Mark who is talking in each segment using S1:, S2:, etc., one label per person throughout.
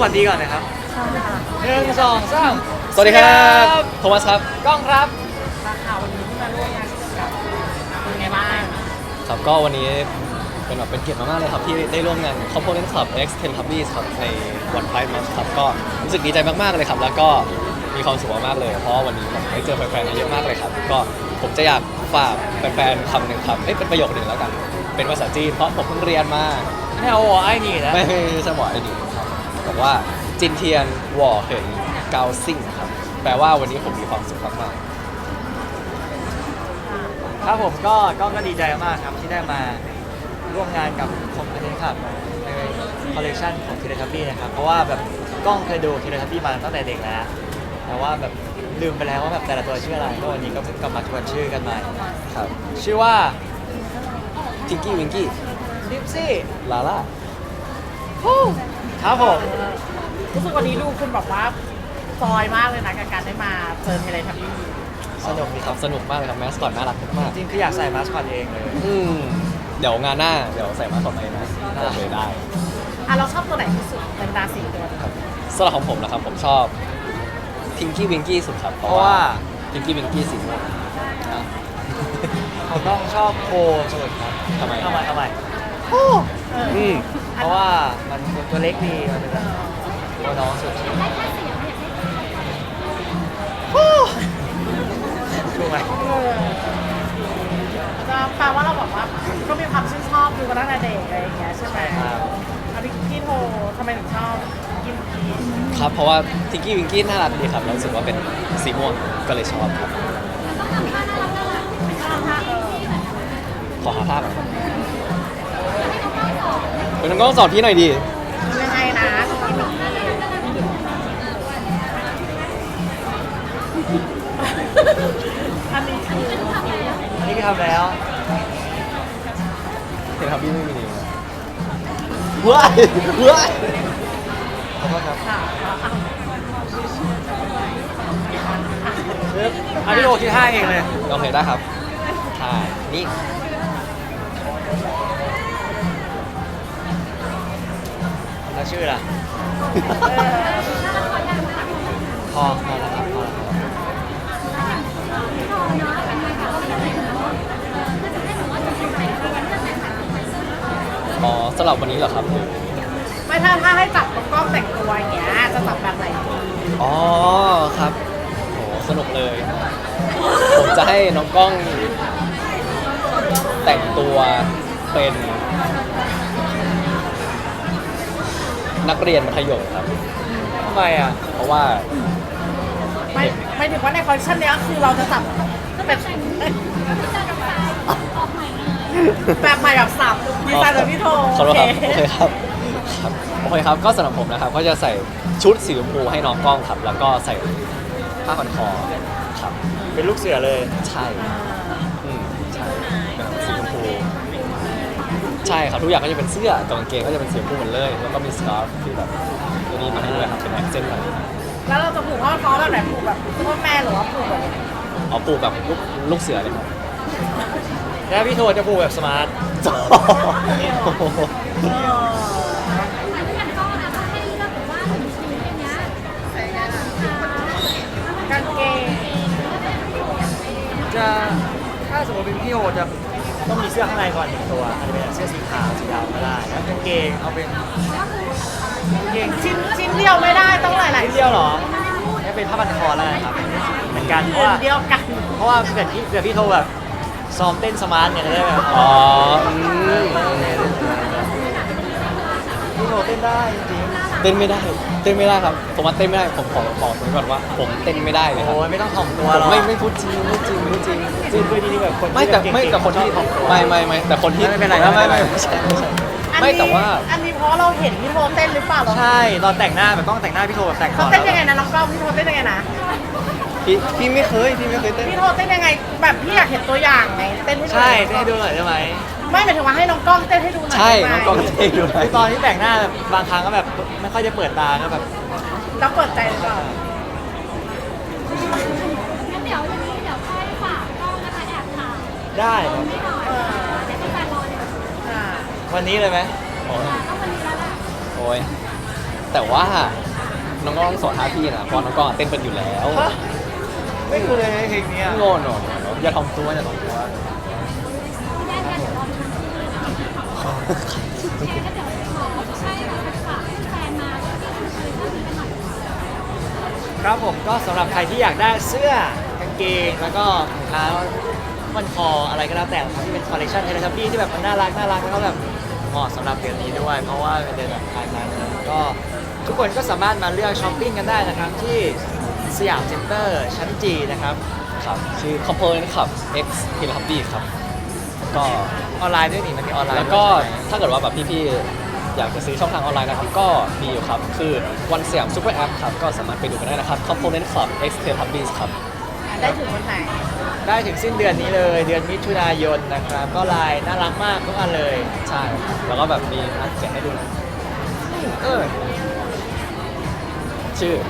S1: วัสดีก่อนนะครับ1 2 3
S2: สวัสดีครับโทมัสครับ
S1: กล้องครับ
S3: ข่าววันนี้ที่มาร่วมงานกับเป็นไงบ้าง
S2: ครับก็วันนี้เป็นเกียรติมากๆเลยครับที่ได้ร่วมงาน Component Club X Teletubbies ครับในวันไพร์มันครับก็รู้สึกดีใจมากๆเลยครับแล้วก็มีความสุขมากๆเลยเพราะวันนี้ผมได้เจอแฟนๆเยอะมากเลยครับก็ผมจะอยากฝากแฟนๆคำหนึ่งครับเป็นประโยคหนึ่งแล้วกันเป็นภาษาจีนเพราะผมเพิ่งเรียนมา
S1: ไม่เอาหัวไอ้นี่นะ
S2: ไม่ใช่หมอไอ้นี่ครับบอกว่าจินเทียนหว่อเหินเกาซิ่งครับแปลว่าวันนี้ผมมีความสุขมากๆ
S1: ครับผมก็ดีใจมากครับที่ได้มาร่วมงานกับคอมพานีครับในคอลเลคชันของทีเรทับบี้นะครับเพราะว่าแบบกล้องเคยดูทีเรทับบี้มาตั้งแต่เด็กแล้วแต่ว่าแบบลืมไปแล้วว่าแบบแต่ละตัวชื่ออะไรก็วันนี้ก็เพิ่งกลับมาทวนชื่อกันใหม่
S2: ครับ
S1: ชื่อว่า
S2: ทิงกี้วิงกี้
S1: ดิปซี่
S2: ลาล่า
S1: ครับผม
S3: รู้สึกวันนี้ดูคุณแบบว่าซอยมากเลยนะกับการได้มาเจอเทเลทับบี้
S1: สนุกดีครับ
S2: สนุกมากเลยครับแมสคอตน่ารักมาก
S1: จริงคืออยากใส่มาสคอตเองเลย
S2: เดี๋ยวงานหน้าเดี๋ยวใส่มาสคอตเองนะบอกเลยได้
S3: เราชอบตัวไหนที่สุดเป็นดาสีตัว
S2: ครับสำหรับของผมนะครับผมชอบทิงกี้วิงกี้สุดครับ
S1: เพราะว่า
S2: ทิงกี้วิงกี้สีม่วง
S1: เขาต้องชอบโคสุดครับ
S2: ทำไม
S1: เพราะว่ามันตัวเล็กดีมันเป็นตัวน้องสุดถูกไหม
S3: ก็แปลว่าเราบอกว่าก็มีความชื่นชอบดูมาตั้งแต่เด็กอะไรอย่างเงี้ยใช่ไหมพี่โททำไมถึงชอบกินกี
S2: ครับเพราะว่าทิงกี้วิงกี้น่ารักดีครับแล้วรู้สึกว่าเป็นสีม่วงก็เลยชอบครับขอหาภาพหน่อยเป็นน้องกล้องสอนพี่หน่อยดี
S3: ยังไงนะอันนี้
S1: คือทำแล้ว
S2: เห็นครับพี่ไม่มีนิ้วว้ายขอโทษครับ
S1: พี่โอคิดท่าเองเลย
S2: โอเคได้ครับท่านี่
S1: แล้วชื่อล่ะพอแล้วครับพอ
S2: อ๋อสำหรับวันนี้เหรอครับ
S3: ไม่ถ้าให้จับน้องกล้องแต่งตัวอย่างเงี้ยจะจับแบบไหน
S2: อ๋อครับโหสนุกเลยผมจะให้น้องกล้องแต่งตัวเป็นนักเรียนมัธยมครับ
S1: ทำไมอ่ะ
S2: เพราะว่า
S3: ไม่ถึงว่าในคอลเลคชันนี้คือเราจะจับเป็นแบบใหม่แบบสับดีไซน์แบบพี่โท
S2: โอเคครับโอเคครับก็สำหรับผมนะครับก็จะใส่ชุดสีชมพูให้น้องกล้องครับแล้วก็ใส่ผ้าพันคอครับ
S1: เป็นลูกเสือเลย
S2: ใช่ใช่เป็นสีชมพูใช่ครับทุกอย่างก็จะเป็นเสื้อกางเกงก็จะเป็นสีชมพูหมดเลยแล้วก็มีสการ์ฟที่แบบตัวนี้มาให้ด้วยครับเป็นแอคเซนต์อะไร
S3: แล้วเราจะผูกผ้าคอแบบไหนผูกแบบพ่อแม่หรือว่าผูกแบบ
S2: อ๋อผูกแบบลูกเสือเลยครับ
S1: แล้วพี่โทจะผูกแบบสมาร์ท
S3: กางเกง
S1: จะถ้าสมมติเป็นพี่โทจะต้องมีเสื้อข้างในก่อน1 ตัวอาจจะเป็นเสื้อสีขาวสีดำก็ได้แล้วกางเกงเอาเป็น
S3: เกงชิ้นเดียวไม่ได้ต้องหลายๆ
S1: ชิ้นเดียวหรอนี่เป็นผ้าพันคอแล้วนะครับเหมือนกันเพราะว่า
S3: เดียวกัน
S1: เพราะว่าเกิดพี่โทแบบซ้อมเต้นสมาร์ทเนี่ยได้ไหม
S2: อ๋อ
S1: พี่โทเต้นได้จริง
S2: เต้นไม่ได้ครับผมว่าเต้นไม่ได้ผมขอบอกก่อนว่าผมเต้นไม่ได้เลยครับ
S1: โอ้ยไม่ต้องถ่อมตัวหรอก
S2: ไม่พูดจริง
S1: คือดีแบบคน
S2: ไม่แต่คนที่ไม่แต่คนที่
S1: ไม่เป็นไร
S2: ไม่ใช่ไม่แต่ว่า
S3: อันนี้เพราะเราเห็นพี่โทเต้นหรือเปล่า
S1: ใช่ตอนแต่งหน้าแบบต้องแต่งหน้าพี่โทแบบแต่งก่อน
S3: เต้นยังไงนะน้องกล้องพี่โทเต้นยังไงนะ
S2: พี่ไม่เคยเต้น
S3: พี่โทเต้นยังไงแบบพี่อยากเห็นตัวอย่างไงเต้นให้ดู
S1: ใช่เต้นให้ดูหน่อยได้ไหม
S3: ไม่หมายถึงว่าให้น้องกล้องเต้นให้ดูหน่อย
S2: ใช่น้องกล้องเต้นให้ดูหน่อย
S1: ตอนที่แต่งหน้าแบบบางครั้งก็แบบไม่ค่อยจะเปิดตาก็แบบ
S3: แล้วเปิดใจหรือเปล่า
S4: งั้นเดี๋ยวค่อยฝากกล้องนะคะแอบถาม
S1: ได้
S4: แฟนรอเลย
S1: วันนี้เลยไหม
S4: ต้องวันนี้แล้วแหละ
S2: โอ้ยแต่ว่าน้องกล้องสอนท่าพี่นะเพราะน้องกล้องเต้นเป็นอยู่แล้ว
S1: ฮะไม่เคยเพลงเนี้ย
S2: โง่หนอย่าทำตัวอย่าทำตัว
S4: ได้กันเดี๋ยวรอดูที่แชร์ก็เดี๋ยวขอให้แบบฝากแฟนมาที่คือเรื่องนี้กันหน่อย
S1: ครับผมก็สำหรับใครที่อยากได้เสื้อกางเกงแล้วก็ถุงเท้ามันคออะไรก็แล้วแต่ครับที่เป็นคอลเลคชันเทเลทับบี้ที่แบบมันน่ารักแล้วก็แบบเหมาะสำหรับเดือนนี้ด้วย เพราะว่าเป็นเดือนแบบไทม์นั้นก็ทุกคนก็สามารถมาเลือกช้อปปิ้งกันได้นะครับที่สยามเซ็นเตอร์ชั้นจีนะครับ
S2: ครับชื่อ Component ครับ X Teletubbies ครับก็
S1: ออนไลน์ด้วยนี่มันมีออนไลน์
S2: แล้วก็
S1: ด้วยใช่ไหม
S2: ถ้าเกิดว่าแบบพี่ๆ อยากจะซื้อช่องทางออนไลน์นะครับ ก็มีอยู่ครับ คือวันสยามซูเปอร์แอปครับ ก็สามารถไปดูกันได้นะครับ Component Club X Teletubbies ครับ
S3: ได้ถึงวันไหน
S1: ได้ถึงสิ้นเดือนนี้เลยเดือนมิถุนายนนะครับก็ลายน่ารักมากทุกอันเลย
S2: ใช่ครับแล้วก็แบบมีนัดแกะให้ดูนะ
S1: เออ
S2: ชื่อ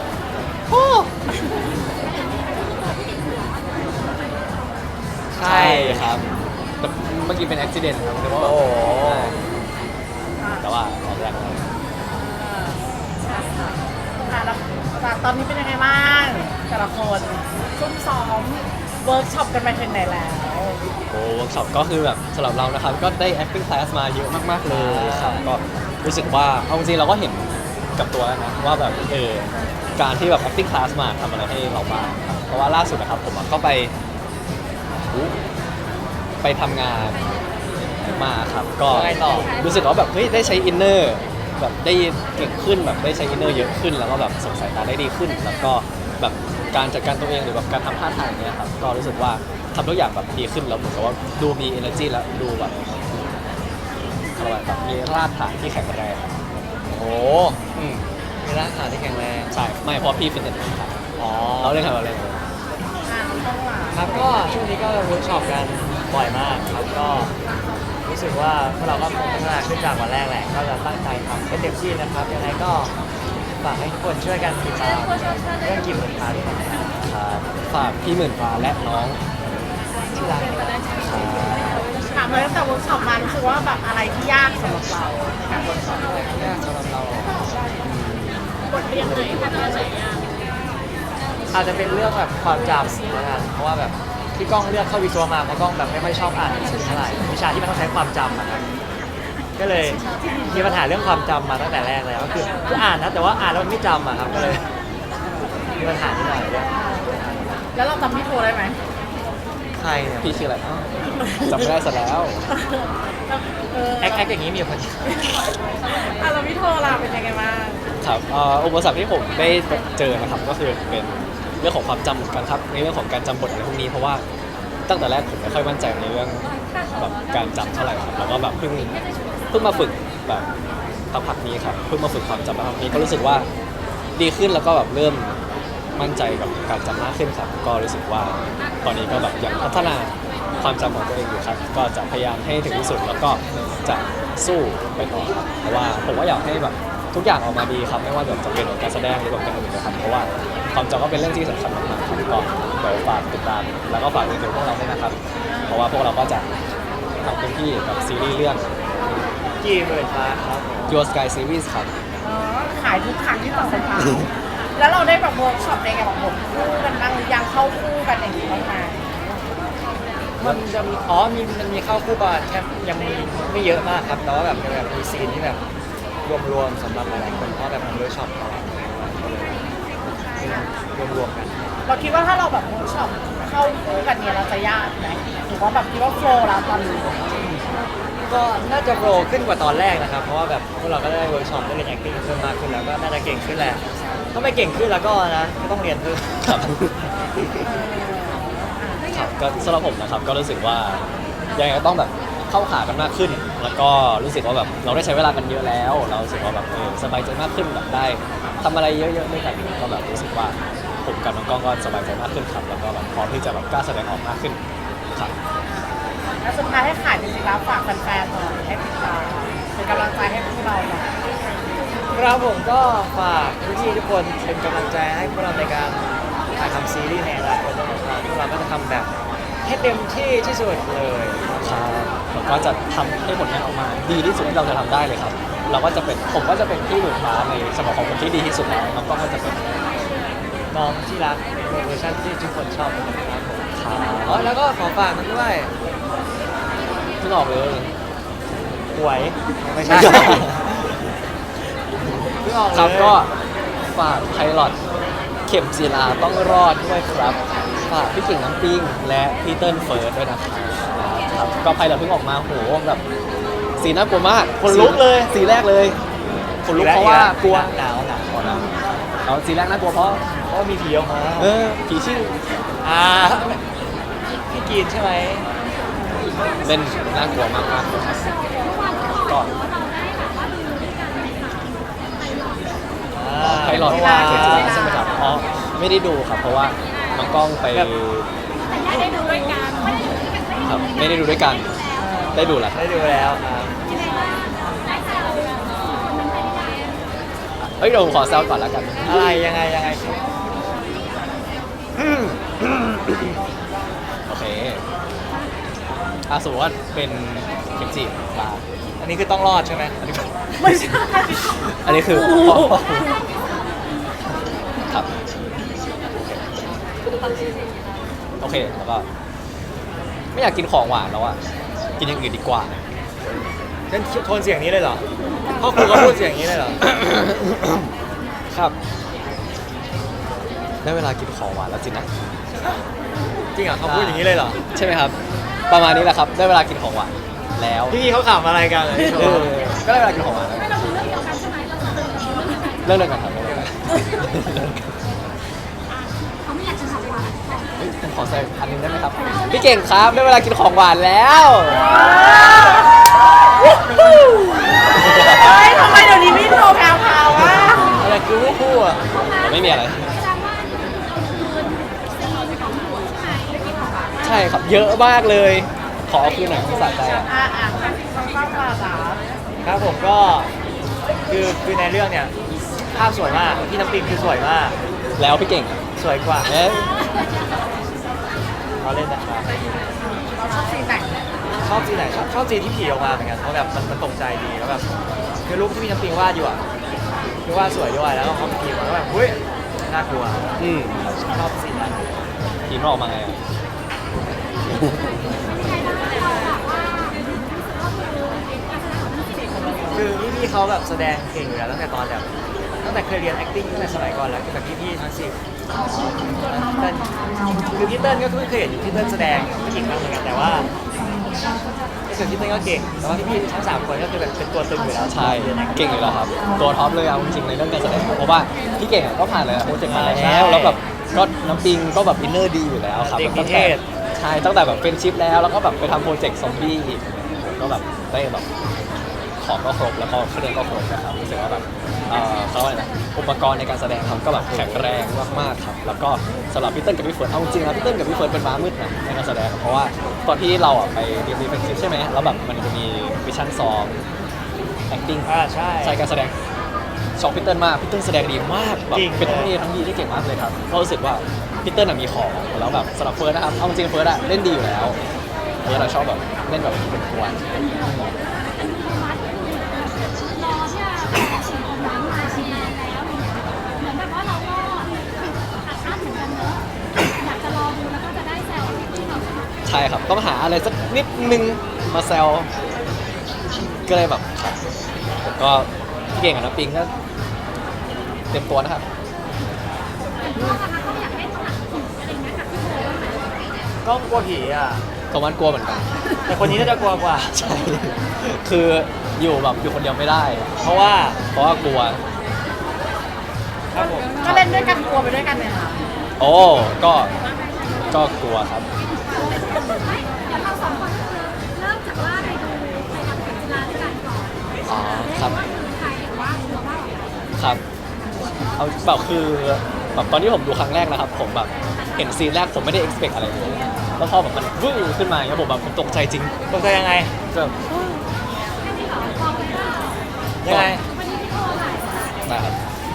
S1: ใช่
S2: ครับแต่เมื่อกี้เป็น accident ครับแต่ว่า
S1: โอ้โห
S2: แต่ว่าออกแรงแล้ว
S3: แล้วตอนนี้เป็นยังไงบ้างแต่ละคนซุ่มซ้อมเวิร์กช็อปกันไปถึงไหนแล้ว
S2: โอ้เวิร์กช็อปก็คือแบบสำหรับเรานะครับ ก็ได้ acting class มาเยอะมากๆเลยครับ ก็รู้สึกว่าเอาจริงๆเราก็เห็นกับตัวแล้วนะว่าแบบการที่แบบ acting class มาทำอะไรให้เราบ้างครับเพราะว่าล่าสุดนะครับผมก็ไปทำงานมาครับ ก็
S1: ยังไงต่อ
S2: รู้สึกว่าแบบเฮ้ยได้ใช้อินเนอร์แบบได้เก่งขึ้นแบบได้ใช้อินเนอร์เยอะขึ้นแล้วก็แบบส่งสายตาได้ดีขึ้น แล้วก็แบบการจัดการตัวเองหรือแบบการทำท่าทางอย่างเงี้ยครับก็รู้สึกว่าทำทุกอย่างแบบดีขึ้นแล้วเหมือนกับว่าดูมี energy แล้วดูแบบอะไรแบบมีรากฐานที่แข็งแรง
S1: โอ้มีร่างกายที่แข็งแรง
S2: ใช่ไม่เพราะพี่ฟิตเนสครับ
S1: อ๋อ
S2: เราเล่นอะไร
S3: ต้องหลา
S1: ครับก็ช่วงนี้ก็เวิร์กช็อปกันบ่อยมากครับก็รู้สึกว่าพวกเราก็พัฒนาขึ้นจากวันแรกแหละก็จะตั้งใจทำให้เต็มที่นะครับยังไงก็ฝากให้ทุกคนช่วยกันติดตามเรื่องกิมเหมือนกันนะครับ
S2: ครับฝากพี่หมื่นฟ้าและน้อง
S1: ที่รัก
S3: ถามเลยตั้งแต่เวิร์กช็อปมารู้สึกว่าแบบอะไรที่ยากสำหรับเราในการเวิร์กช็อป
S1: ยากสำหรับเรา
S3: บทเรียนไหนคะที่ไหนยาก
S1: อาจจะเป็นเรื่องแบบความจำนะครับเพราะว่าแบบที่กล้องเลือกเข้าวิศวะมาเพราะกล้องแบบไม่ค่อยชอบอ่านหนังสือเท่าไหร่วิชาที่มันต้องใช้ความจำนะครับก็เลยมีปัญหาเรื่องความจำมาตั้งแต่แรกเลยก็คืออ่านนะแต่ว่าอ่านแล้วมันไม่จำอะครับก็เลยมีปัญหาที่หน่อยเรื่อง
S3: แล้วเราจำพี่โทรได้ไหม
S1: ใครเนี่ย
S2: พี่ชื่ออะไรจำไม่ได้ซะแล้ว
S1: แอคอย่างนี้มีคน
S3: แล้วพี่โทรล่ะเป็นยังไงบ้าง
S2: ครับอุปสรรคที่ผมได้เจอนะครับก็คือเป็นเรื่องของความจำเหมือนกันครับในเรื่องของการจำบทอะไรพวกนี้เพราะว่าตั้งแต่แรกผมไม่ค่อยมั่นใจในเรื่องแบบการจำเท่าไหร่ครับแล้วก็แบบเพิ่งมาฝึกแบบพักนี้ครับเพิ่งมาฝึกความจำพักนี้ก็รู้สึกว่าดีขึ้นแล้วก็แบบเริ่มมั่นใจกับการจำมากขึ้นครับก็รู้สึกว่าตอนนี้ก็แบบยังพัฒนาความจำของตัวเองอยู่ครับก็จะพยายามให้ถึงที่สุดแล้วก็จะสู้ไปต่อครับเพราะว่าผมว่าอยากให้แบบทุกอย่างออกมาดีครับไม่ว่าแบบจะเป็นการแสดงหรือแบบการอื่นนะครับเพราะว่าความจำก็เป็นเรื่องที่สำคัญมากๆครับก็เดี๋ยวฝากติดตามแล้วก็ฝากติดตามพวกเราด้วยนะครับ เพราะว่าพวกเราก็จะทำเต็มที่กับซีรีส์เรื่อง
S1: กี่หมื่นฟ้าครับ
S2: Your Sky Series ครับ
S3: ขายทุกครั้งที่ต่อสัญญาแล้วเราได้แบบเวิร์กช็อปในการแบบบทคู่กันบ้างหรือยังเข้าคู่กันอย่างนี้บ้างไหม
S1: มันจะมีมันมีเข้าคู่บาทแค่ยังมีไม่เยอะมากครับแต่ว่าแบบมีซีนที่แบบรวมๆสำหรับหลายๆคนเพราะแบบมันเวิร์กช็อปตลอดรวมๆกัน
S3: เราคิดว่าถ้าเราแบบเวิร์กช็อปเข้าคู่กันเนี่ยเราจะยากไหมหรือว่าแบบคิดว่าโฟล์แล้วตอนนี้
S1: ก็น่าจะโปรขึ้นกว่าตอนแรกนะครับ เพราะว่าแบบพวกเราก็ได้เวิร์กช็อปได้เรียน acting เพิ่มมากขึ้นแล้วก็น่าจะเก่งขึ้นแหละถ้าไม่เก่งขึ้นแล้วก็นะก็ต้องเรียนเพิ่ม
S2: ครับครับก็สำหรับผมนะครับก็รู้สึกว่ายังไงก็ต้องแบบเข้าขากันมากขึ้น แล้วก็รู้สึกว่าแบบเราได้ใช้เวลากันเยอะแล้ว เรารู้สึกว่าแบบสบายใจมากขึ้นแบบได้ทำอะไรเยอะๆด้วยกันก็แบบรู้สึกว่าผมกับน้องกล้องก็สบายใจมากขึ้นครับแล้วก็แบบพร้อมที่จะแบบกล้าแสดงออกมากขึ้นครับ
S3: แล้วสุดท้ายให้ขายจริงๆแล้วฝากแฟนๆหน่อยให้ติดตามเป็นกำลังใจให้พวกเราหน่อย
S1: ครับผมก็ฝากพี่ๆทุกคนเป็นกำลังใจให้พวกเราในการถ่ายทำซีรีส์ในอนาคตด้วยนะครับพวกเราก็จะทำแบบให้เต็มที่ที่สุดเลย
S2: ครับแล้วก็จะทำให้ผลงานออกมาดีที่สุดที่เราจะทำได้เลยครับเราก็จะเป็นผมก็จะเป็นพี่หมื่นฟ้าในสมองของคนที่ดีที่สุดแล้วน้องกล้องก็จะเป็น
S1: น้องที่รักเวอร์ชันที่ทุกคนชอบนะครับผม
S2: ขา
S1: อ๋อแล้วก็ขอฝากมันด้วย
S2: เพิ่งออกเลย
S1: หวยไม่ใช่ เพิ่งออกเลย
S2: ครับก็ฝากไพลอตเข็มจีราต้องรอดด้วยครับฝากพี่เก่งน้ำปิ้งและพี่เติ้ลเฟิร์สด้วยนะครับก็ไพลอตเพิ่งออกมาโหแบบสีน่ากลัวมาก
S1: คนลุกเลย
S2: สีแรกเลยคนลุกเพราะว่ากลัว
S1: หนาว
S2: อ๋อนะเอาสีแรกน่ากลัวเพราะ
S1: เพราะว่ามีผีออกมา
S2: ผีชื่อ
S1: อ่าพี่กรีนใช่ไหม
S2: เล่นน่ากลัวมากครับก็ ไพลอต
S1: เมื่
S2: ว่า
S1: วาน
S2: เข็มจีราใช่ไหมครับอ๋อไม่ได้ดูครับเพราะว่าน้องกล้องไป
S4: แต่ได้ดูด้วยกัน
S2: ครับไม่ได้ดูด้วยกันได้ดูแล้วครับ
S1: ได้ดูแล้วครับ
S2: เฮ้ยเดี๋ยวผมขอแซวก่อนแล้วกัน
S1: อะไรยังไงสิ
S2: โอเคสมมติว่าเป็นเข็มจีรา
S1: อันนี้คือต้องรอดใช่ไหม
S2: อันนี้
S3: ไม่ใช่
S2: อันนี้คือครับโอเคแล้วก็ไม่อยากกินของหวานแล้วอ่ะกินอย่างอื่นดีกว่า
S1: งั้นโทนเสียงนี้เลยเหรอพ่อครูก็พูดเสียงนี้เลยเหรอ
S2: ครับได้เวลากินของหวานแล้วสินะ
S1: จริงเหรอเขาพูดอย่างนี้เลยเหรอ
S2: ใช่ไหมครับ ประมาณนี้แหละครับได้เวลากินของหวานแล้ว
S1: พี่เขาขำอะไรกันเลย
S2: เออก็ได้เวลากินของหวานแล้ว
S4: ไม่เราดูเรื่องเดียวกันใช่ไหมเราจะดูเรื่องเดียวกัน
S2: เรื่องเดียวกันครับเรื่องเดียวกัน
S4: เขาไม่อยากจะทำหวาน
S2: เฮ้ยผมขอแซวอันหนึงได้ไหมครับพี่เก่งครับได้เวลากินของหวานแล้ว
S3: เฮ้ยทำไมเดี๋ยวนี้พี่โทรแพรวๆอ่ะ
S1: อะไรคือคู่อ่ะ
S2: ไม่มีอะไร
S4: แสดงว่าเราคืนซีนของหัวใช่ไหมเมื่อกี้ของหวาน
S2: ใช่ครับเยอะมากเลยขอเอาคืนหน่อยสะใจอ่ะ
S3: ต้องเข้ามาจ้า
S1: ครับผมก็คือในเรื่องเนี่ยภาพสวยมากพี่น้ำปิงคือสวยมาก
S2: แล้วพี่เก่งอ่ะ
S1: สวยกว่า
S2: เอ๊ะ
S1: เขาเล่นนะครับ
S3: เราชอบซีนไหน
S1: ชอบจีนไหนชอบจีนที่ผีออกมาเหมือนกันเพราะแบบมันตกใจดีแล้วแบบคือรูปที่พี่น้ำปิงวาดอยู่อ่ะคือวาดสวยด้วยแล้วเขาผีมาแล้วแบบเฮ้ยน่ากลัว
S2: อืม
S1: ชอบซีนนั้น
S2: ทีมเราออกมาไงอ่ะ
S1: คือพี่ๆเขาแบบแสดงเก่งอยู่แล้วตั้งแต่ตอนแบบตั้งแต่เคยเรียน acting ตั้งแต่สมัยก่อนแล้วกับพี่ๆทั้งสิบเติ้ลคือพี่เติ้ลก็เพิ่งเคยเห็นพี่เติ้ลแสดงไม่เก่งมากเหมือนกันแต่ว่าส่วนพี่เติ้ลก็เก่งแต่ว่าพี่ๆทั้งสามคนก็คือแบบเป็นตัวตึงอยู่แล้ว
S2: ใช่เก่งอยู่แล้วครับตัวท็อปเลยเอาจริงๆในเรื่องการแสดงเพราะว่าพี่เก่งอ่ะก็ผ่านเลยโปรเจกต์มาแล้วแบบก็น้ำปิงก็แบบอินเนอร์ดีอยู่แล้วครับ
S1: เด็กนิ
S2: ตั้ง
S1: เท
S2: แต่
S1: ศ
S2: ใช่ตั้งแต่แบบเป็นชิปแล้วก็แบบไปทำโปรเจกต์ซอมบี้อีกผมก็แบบได้แบบของก็ครบแล้วก็เครื่องก็ครบนะครับรู้สึกว่าแบบเขาเรียกว่าอะไรนะอุปกรณ์ในการแสดงครับก็แบบแข็งแรงมากๆครับแล้วก็สำหรับพี่เติ้ลกับพี่เฟิร์นเอาจริงๆนะพี่เติ้ลกับพี่เฟิร์นเป็นม้ามืดนะในการแสดงเพราะว่าตอนที่เราอ่ะไปเรียนดีเฟนซีฟใช่ไหมแล้วแบบมันจะมีวิชั่นซ้อม acting
S1: ใช่
S2: ใช่การแสดงชอบพี่เติ้ลมากพี่เติ้ลแสดงดีมากแบบ
S1: จริง
S2: เป็นทั้งดีทั้งดีที่เก่งมากเลยครับก็รู้สึกว่าพี่เติ้ลมีของแล้วแบบสำหรับเฟิร์สนะครับเอาจริงๆเฟิร์สอะเล่นดีอยู่แล้วเฟิร์สเราชอบแบบเล่นแบบเป็นกวน
S4: รอที่จะฉีดน้ำมาฉีดแล้วเหมือนแบบว่าเราก็อัดอั้นเหมือนกันเนอะอยากจะรอดูแล้วก็จะได้แซวที่เราชอบ
S2: ใช่ครับต้องหาอะไรสักนิดนึงมาแซวก็เลยแบบครับผมก็พี่เก่งกับน้ำปิงก็เตรียมตัวนะครับ
S4: ก็นะคะก็อยากให้หนักผีอะไรเงี้ยกับพี่โบบ้างไหม
S1: ก็กลัวผีอ่ะ
S2: โทมัสกลัวเหมือนกัน
S1: แต่คนนี้น่าจะกลัวกว่า
S2: ใช่คืออยู่แบบอยู่คนเดียวไม่ได้
S1: เพราะว่าก
S2: ลัว
S1: ครับผม
S3: ก็เล่นด้วยกันกลัวไปด้วยกันเนี่ยค่ะ
S2: โอ้ก็กลัวครับ
S4: ไม่เดี๋ยวเราสองคนก็คือเริ่มจากว่าไปดูไปทำเข็มจีราด้วยกันก่อน
S2: อ๋อครับ
S4: ว่าคือใครหรือว่าตัวว่าอะไร
S2: ครับเอาแบบคือแบบตอนที่ผมดูครั้งแรกนะครับ ผมแบบเห็นซีนแรกผมไม่ได้ expect อะไรเลยแล้วพอแบบมันวื้อขึ้นมาอย่างเงี้ยผมแบบผมตกใจจริง
S1: ตกใจยังไง
S2: แบบ
S4: แค่นี้เหรอบอกเลยว่า
S1: ยังไง
S4: วันนี้พี่โบไหน
S2: นะครับ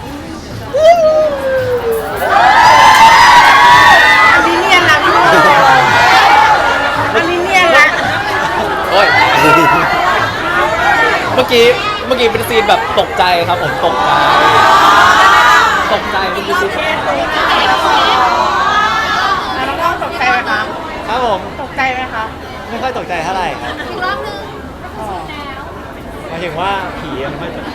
S3: อันนี้เนียนละพี่โทอันนี้เนียนละ
S2: โอ้ยเมื่อกี้มื่อกี้เป็นซีนแบบตกใจครับผมตกใจเมื่อกี้ซีน
S3: แล้วน้องกล้องตกใจไหมคะ
S1: ครับผม
S3: ตกใจไหมคะ
S1: ไม่ค่อยตกใจเท่าไหร่ครับ
S4: อีกรอบนึงแล้ว
S1: หมายถึงว่าผีไม่ค่อยตก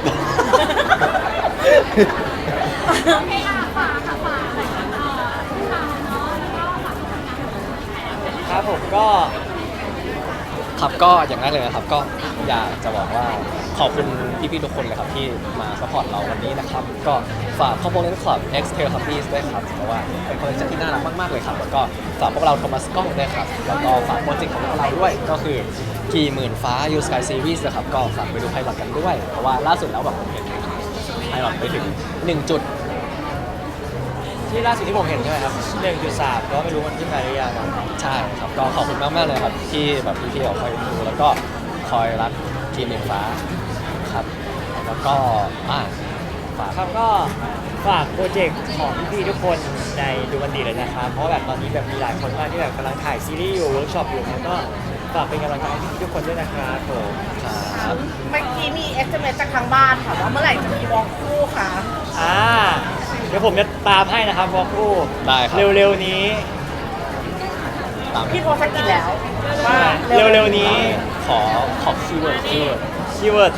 S4: โอเคค่ะฝากค่ะฝากผู้ชายเนาะแล้วก็ฝากผลงานของแขก
S1: ครับผมก็
S2: ครับก็อย่างแรกเลยนะครับก็อยากจะบอกว่าขอบคุณพี่ๆทุกคนเลยครับที่มาสปอร์ตเราวันนี้นะครับก็ฝาก Component Club X Teletubbies ด้วยครับเพราะว่าเป็นคอลเลคชันที่น่ารักมากๆเลยครับแล้วก็ฝากพวกเราโทมัสกล้องด้วยครับแล้วก็ฝากโปรเจกต์ของพวกเราด้วยก็คือกี่หมื่นฟ้า You Sky Series นะครับก็ฝากไปดูไพลอตกันด้วยเพราะว่าล่าสุดแล้วแบบผมเห็นไพลอตไปถึง1 จุด
S1: ที่ล่าสุดที่ผมเห็นใช่ไหมครับ 1.3 ก็ไม่รู้มันขึ้นมาหรือยังครับ
S2: ใช่ครับก็ขอบคุณมากๆเลยครับที่แบบพี่ๆคอยดูแล้วก็คอยรักทีมหนึ่งฟ้าครับแล้วก็ฝาก
S1: ครับก็ฝากโปรเจกต์ของพี่ๆทุกคนในดูมันดีเลยนะครับ เพราะว่าแบบตอนนี้แบบมีหลายคนมากที่แบบกำลังถ่ายซีรีส์อยู่เวิร์กช็อปอยู่แล้วก็ฝากเป็นกำลังใจให้พี่ๆทุกคนด้วยนะครับผม
S2: ครับ
S3: เมื่อกี้มี SMS จากทางบ้านค่ะว่าเมื่อไหร่จะมีวอล์กคู่ค่ะ
S1: เดี๋ยวผมจะตามให้นะครับวอลคู่
S2: ได้ครับ
S1: เร็วๆนี้
S2: ตาม
S3: พี่โพสต์กินแล้วว่า
S1: เร็วๆนี้
S2: ขอคีย์เวิร์ด
S1: คีย์เวิร์ด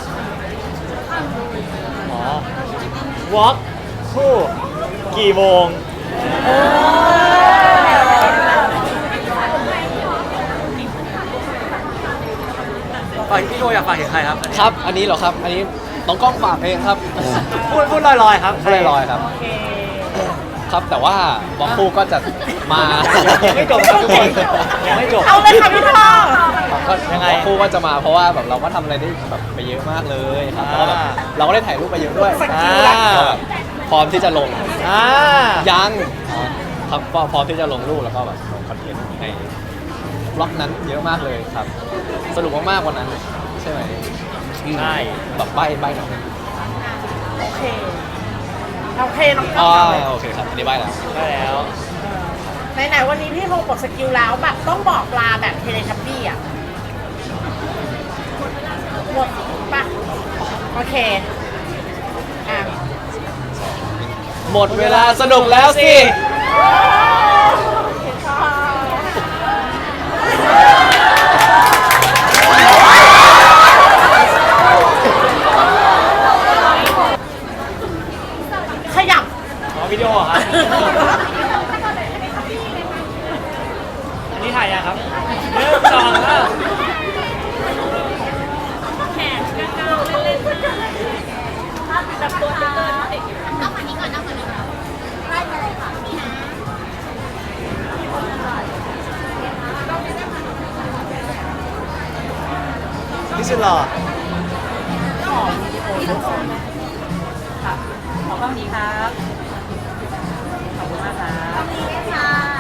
S1: อ๋อวอล์กคู่กี่โมงฝากพี่โทอยากฝากถึงใครครับ
S2: ครับอันนี้เหรอครับอันนี้น้องกล้องฝากเองครับ
S1: พูดลอยๆครับ
S2: พูดลอยๆครับ
S3: โอเค
S2: ครับแต่ว่าบล็อกคู่ก็จะมา
S1: ยังไม่จบครับทุกคนยังไม่จบ
S3: เอาเลยค่ะพี่พ่อ
S2: ก็
S1: ยังไง
S2: บล็อกคู่ก็จะมาเพราะว่าแบบเราก็ทำอะไรได้แบบไปเยอะมากเลยครับแล้วก็แบบเราก็ได้ถ่ายรูปไปเยอะด้วย
S1: อ่า
S2: ก็แบบพร้อมที่จะลง
S1: อ่า
S2: ยังครับก็พร้อมที่จะลงรูปแล้วก็แบบลงคอนเทนต์ในบล็อกนั้นเยอะมากเลยครับ สนุกมากๆวันนั้นใช่ไหม
S1: ใช่
S2: แบบใบหน่อย
S3: โอเค โอเคน้องกล้
S2: อ๋
S3: อ
S2: อง
S3: เลย
S2: โอเคครับอันนี้ใบแล้ว
S1: ได้แล้ว
S3: ไหนๆวันนี้พี่โทรกดสกิลแล้วแบบต้องบอกลาแบบเทเลทับบี้อ่ะหมดปะโอเคอ่ะ
S2: หมดเวลาสนุกแล้วสิ
S3: ขยับ
S1: อ๋อวิดีโอเหรอครับ อันนี้ถ่ายยังครับ1 2 3
S4: เอาฝั่งนี้ก่อนเอาฝั่งนี้ก่อนไล่ไปเลยค่ะนี่นะ
S1: นี่สุดหล่อ
S3: ขอกล้องนี้ครับ ขอบคุณมากครับ
S4: ค่ะ